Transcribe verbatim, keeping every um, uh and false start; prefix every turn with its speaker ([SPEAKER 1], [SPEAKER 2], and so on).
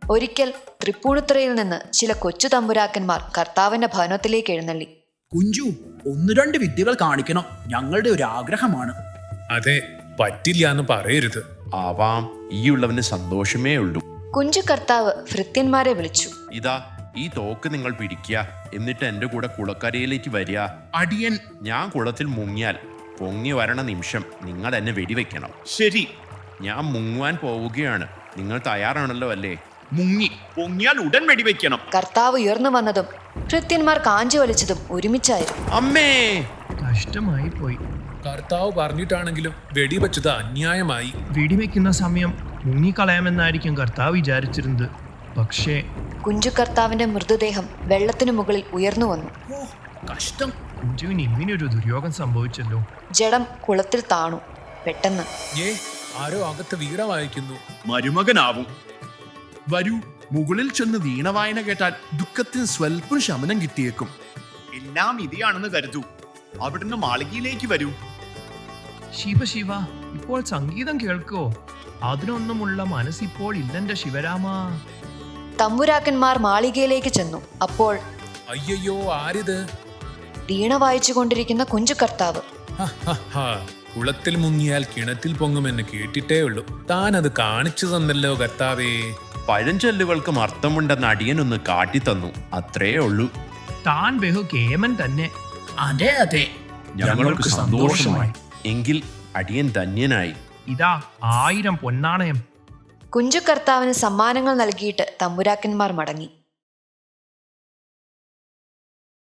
[SPEAKER 1] ഒരിക്കൽ തൃപ്പൂണിത്തുറയിൽ നിന്ന് ചില കൊച്ചു തമ്പുരാക്കന്മാർ കർത്താവിന്റെ ഭവനത്തിലേക്ക് എഴുന്നള്ളി.
[SPEAKER 2] കുഞ്ചു, ഒന്ന് രണ്ട് വിദ്യകൾ കാണിക്കണം, ഞങ്ങളുടെ ഒരു ആഗ്രഹമാണ്.
[SPEAKER 3] അതെ, പറ്റില്ല എന്ന് പറയരുത്.
[SPEAKER 4] ആവാം, ഈ ഉള്ളവന് സന്തോഷമേ ഉള്ളൂ.
[SPEAKER 1] കുഞ്ചു കർത്താവ് ഭൃത്യന്മാരെ വിളിച്ചു.
[SPEAKER 4] ഇതാ, ഈ തോക്ക് നിങ്ങൾ പിടിക്കുക, എന്നിട്ട് എൻ്റെ കൂടെ കുളക്കരയിലേക്ക് വരിക.
[SPEAKER 5] അടിയൻ.
[SPEAKER 4] ഞാൻ കുളത്തിൽ മുങ്ങിയാൽ പൊങ്ങി വരണ നിമിഷം നിങ്ങൾ എന്നെ വെടിവെക്കണം.
[SPEAKER 5] ശരി.
[SPEAKER 4] ഞാൻ മുങ്ങുവാൻ പോവുകയാണ്. നിങ്ങൾ തയ്യാറാണല്ലോ അല്ലേ?
[SPEAKER 5] മുങ്ങി പൊങ്ങിയാൽ ഉടൻ വെടിവെക്കണം.
[SPEAKER 1] കർത്താവ് ഉയർന്നു വന്നതും ഭൃത്യന്മാർ കാഞ്ചി വലിച്ചതും ഒരുമിച്ചായിരുന്നു.
[SPEAKER 4] അമ്മേ,
[SPEAKER 6] കഷ്ടമായി പോയി.
[SPEAKER 3] കർത്താവ് പറഞ്ഞിട്ടാണെങ്കിലും വെടിവെച്ചത് അന്യായമായി.
[SPEAKER 6] വെടിവെക്കുന്ന സമയം മുങ്ങിക്കളയാമെന്നായിരിക്കും കർത്താവ് വിചാരിച്ചിരുന്നത്. പക്ഷേ
[SPEAKER 1] കുഞ്ചു കർത്താവിന്റെ മൃതദേഹം വെള്ളത്തിനു മുകളിൽ ഉയർന്നു വന്നു.
[SPEAKER 2] ഓ, കഷ്ടം.
[SPEAKER 6] കുഞ്ചുവിന് ഇങ്ങനെയൊരു ദുര്യോഗം സംഭവിച്ചല്ലോ.
[SPEAKER 1] ജഡം കുളത്തിൽ താണു. പെട്ടെന്ന്
[SPEAKER 3] ഏ ആരോ അകത്ത് വീണ വായിക്കുന്നു.
[SPEAKER 5] മരുമകനാവും. വരൂ, മുകളിൽ ചെന്ന് വീണ വായന കേട്ടാൽ ദുഃഖത്തിന് സ്വൽപ്പം ശമനം കിട്ടിയേക്കും. എല്ലാം ഇതയാണെന്ന് കരുതൂ. അവിടുന്ന് മാളികയിലേക്ക് വരൂ.
[SPEAKER 6] ശിവ ശിവ, ഇപ്പോൾ സംഗീതം കേൾക്കോ? അതിനൊന്നുമുള്ള മനസ്സിപ്പോൾ ഇല്ലെന്റെ ശിവരാമ.
[SPEAKER 1] തമ്പുരാക്കന്മാർ മാളികയിലേക്ക് ചെന്നു. അപ്പോൾ
[SPEAKER 3] അയ്യോ, ആരിത്?
[SPEAKER 1] വീണ വായിച്ചു കൊണ്ടിരിക്കുന്ന കുഞ്ചു കർത്താവ്.
[SPEAKER 3] കുളത്തിൽ മുങ്ങിയാൽ കിണറ്റിൽ പൊങ്ങുമെന്ന് കേട്ടിട്ടേ ഉള്ളൂ. താൻ അത് കാണിച്ചു തന്നല്ലോ കർത്താവേ.
[SPEAKER 4] പഴഞ്ചൊല്ലുകൾക്കും അർത്ഥമുണ്ടെന്ന് അടിയനൊന്ന് കാട്ടിത്തന്നു, അത്രേ ഉള്ളൂ.
[SPEAKER 6] താൻ ബഹു കേമൻ തന്നെ.
[SPEAKER 2] അതെ അതെ,
[SPEAKER 5] ഞങ്ങൾക്ക് സന്തോഷമായി.
[SPEAKER 4] എങ്കിൽ അടിയൻ ധന്യനായി.
[SPEAKER 6] ഇതാ ആയിരം പൊന്നാണയം.
[SPEAKER 1] കുഞ്ചു കർത്താവിന് സമ്മാനങ്ങൾ നൽകിയിട്ട് തമ്പുരാക്കന്മാർ മടങ്ങി.